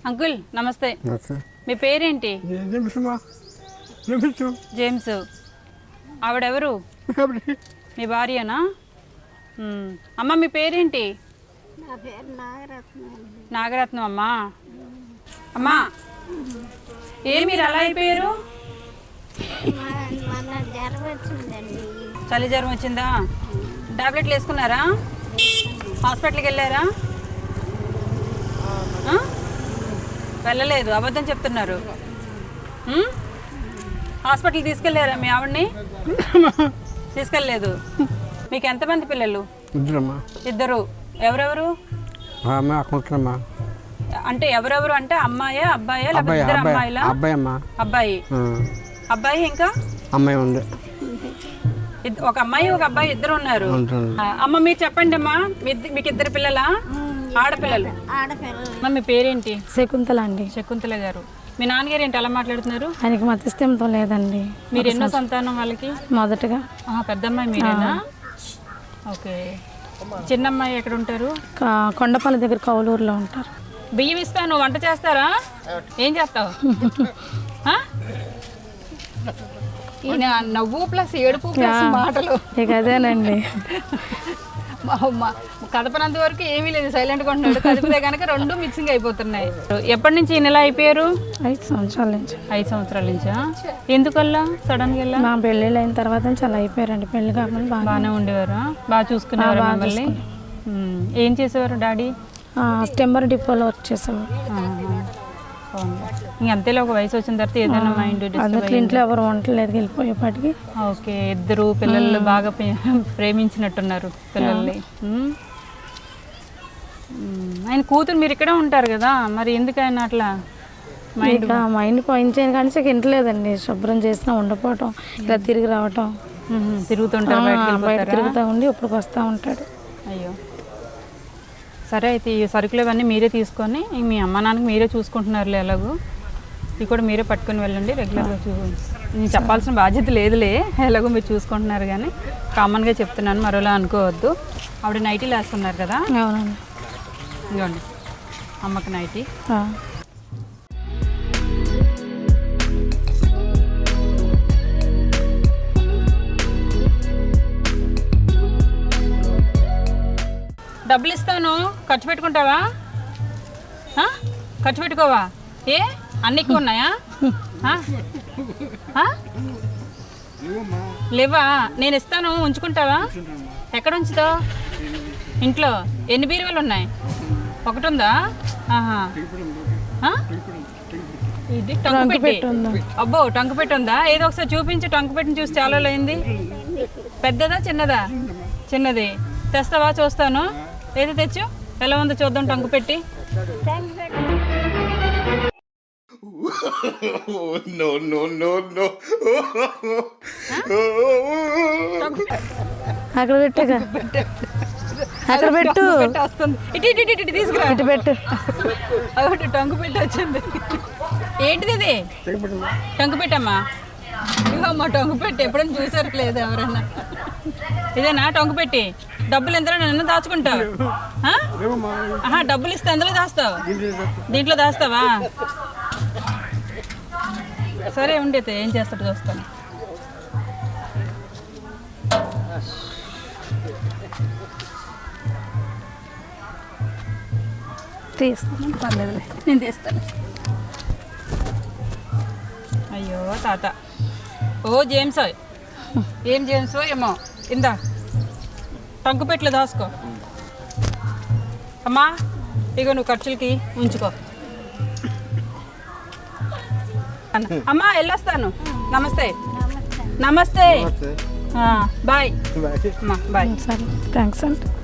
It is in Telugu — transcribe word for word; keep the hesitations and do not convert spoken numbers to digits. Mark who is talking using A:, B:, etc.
A: అంకుల్ నమస్తే. మీ పేరేంటి? జేమ్స్. ఆవిడెవరు? మీ భార్యనా? అమ్మ మీ పేరేంటి? నాగరత్నం. అమ్మా అమ్మా ఏ మీరు అలా అయిపోయారు? చలి జ్వరం వచ్చిందా? టాబ్లెట్లు వేసుకున్నారా? హాస్పిటల్కి వెళ్ళారా? వెళ్ళలేదు, అబద్ధం చెప్తున్నారు. హాస్పిటల్కి తీసుకెళ్ళారా మీ ఆవిడ్ని? తీసుకెళ్ళలేదు. మీకు ఎంతమంది పిల్లలు? ఇద్దరు. ఎవరెవరు? అంటే ఎవరెవరు అంటే అమ్మాయా అబ్బాయా లేకపోతే ఇద్దరు అమ్మాయిలా? అబ్బాయి. అబ్బాయి ఇంకా
B: అమ్మాయి ఉంది.
A: ఒక అమ్మాయి ఒక అబ్బాయి ఇద్దరు ఉన్నారు. అమ్మ మీరు చెప్పండి అమ్మా, మీకు ఇద్దరు పిల్లలా? ఆడపిల్లలు. అమ్మ మీ పేరేంటి?
C: శకుంతల అండి.
A: శకుంతల గారు. మీ నాన్నగారు ఏంటి అలా మాట్లాడుతున్నారు?
C: ఆయనకి మతిస్థిమితం లేదండి.
A: మీరు ఎన్నో సంతానం వాళ్ళకి?
C: మొదటగా.
A: పెద్దమ్మాయి మీరేనా? ఓకే. చిన్నమ్మాయి ఎక్కడ ఉంటారు?
C: కొండపల్లి దగ్గర కౌలూరులో ఉంటారు.
A: బియ్యం ఇస్తాను, వంట చేస్తారా? ఏం చేస్తావు? ఈయన నవ్వు ప్లస్ ఏడుపు ప్లస్ మాటలు
C: ఇక అదేనండి.
A: కదపనంత వరకు ఏమీ లేదు, సైలెంట్గా ఉంటున్నాడు. కదిపితే కనుక రెండు మిక్సింగ్ అయిపోతున్నాయి. ఎప్పటి నుంచి ఈయన ఎలా అయిపోయారు?
C: ఐదు సంవత్సరాల నుంచి.
A: ఐదు సంవత్సరాల నుంచా? ఎందుకల్లా సడన్ గా?
C: మా పెళ్ళిళ్ళు అయిన తర్వాత నుంచి అలా అయిపోయారండి. పెళ్లి కాకుండా
A: బాగానే ఉండేవారా? బాగా చూసుకునేవారు మిమ్మల్ని? ఏం చేసేవారు డాడీ?
C: స్టెంబర్ డిపోలో వర్క్ చేసేవారు.
A: అంతేలో ఒక వయసు వచ్చిన తర్వాత ఏదైనా మైండ్
C: అందరి ఇంట్లో ఎవరు వంటలేదు వెళ్ళిపోయేపాటికి.
A: ఓకే. ఇద్దరు పిల్లలు బాగా ప్రేమించినట్టున్నారు పిల్లల్ని. ఆయన కూతురు మీరు ఇక్కడే ఉంటారు కదా, మరి ఎందుకు ఆయన అట్లా
C: మైండ్ మైండ్ పోయించాను కానీ ఇంటలేదండి. శుభ్రం చేసినా ఉండపోవటం, ఇలా తిరిగి రావటం,
A: తిరుగుతుంటారు,
C: బయట తిరుగుతూ ఉండి ఇప్పటికి వస్తూ ఉంటాడు.
A: అయ్యో సరే, అయితే ఈ సరుకులు ఇవన్నీ మీరే తీసుకొని మీ అమ్మ నాన్నకి మీరే చూసుకుంటున్నారులే. ఎలాగో ఇవి కూడా మీరే పట్టుకొని వెళ్ళండి. రెగ్యులర్గా చూ నేను చెప్పాల్సిన బాధ్యత లేదులే, ఎలాగో మీరు చూసుకుంటున్నారు. కానీ కామన్గా చెప్తున్నాను, మరోలా అనుకోవద్దు. ఆవిడ నైటీలు వేస్తున్నారు కదా?
C: అవునండి.
A: ఇవ్వండి అమ్మకి నైటీ. డబ్బులు ఇస్తాను, ఖర్చు పెట్టుకుంటావా? ఖర్చు పెట్టుకోవా? ఏ అన్ని ఎక్కువ ఉన్నాయా? లేవా? నేను ఇస్తాను, ఉంచుకుంటావా? ఎక్కడ ఉంచుతావు? ఇంట్లో ఎన్ని బీరువాలు ఉన్నాయి? ఒకటి ఉందా? ఇది టంకు పెట్టి. అబ్బో టంకు పెట్టి ఉందా? ఏదో ఒకసారి చూపించి. టంకు పెట్టిని చూసి చాలా అయింది. పెద్దదా చిన్నదా? చిన్నది. తెస్తావా? చూస్తాను. ఏది తెచ్చు, ఎలా ఉందో చూద్దాం. టంకు పెట్టి
C: అక్కడ పెట్టగా అక్కడ పెట్టు
A: వస్తుంది. ఇటు ఇటు ఇటు ఇటు తీసుకురా.
C: ఇటు పెట్టు.
A: అదొకటి టంకు పెట్టి వచ్చింది. ఏంటిది ఇది? టంకు పెట్టమ్మా. ఇవమ్మా టంకు పెట్టి. ఎప్పుడైనా చూసారు లేదు ఎవరన్నా? ఇదేనా టంకు పెట్టి? డబ్బులు ఎంత నన్ను దాచుకుంటావు? డబ్బులు ఇస్తే ఎందులో దాస్తావు? దీంట్లో దాస్తావా? సరే ఉండేది, ఏం చేస్తాడు చూస్తాను.
C: తీస్తాను,
A: పర్లేదులే, నేను తీస్తాను. అయ్యో తాత. ఓ జేమ్స్, ఏం జేమ్స్ ఏమో. ఇందా టంకు పెట్లు దాసుకో. అమ్మా ఇగో నువ్వు ఖర్చులకి ఉంచుకో. అమ్మా వెళ్ళొస్తాను. నమస్తే. నమస్తే. బాయ్ అమ్మా. బాయ్.
C: సరే, థ్యాంక్స్ అండి.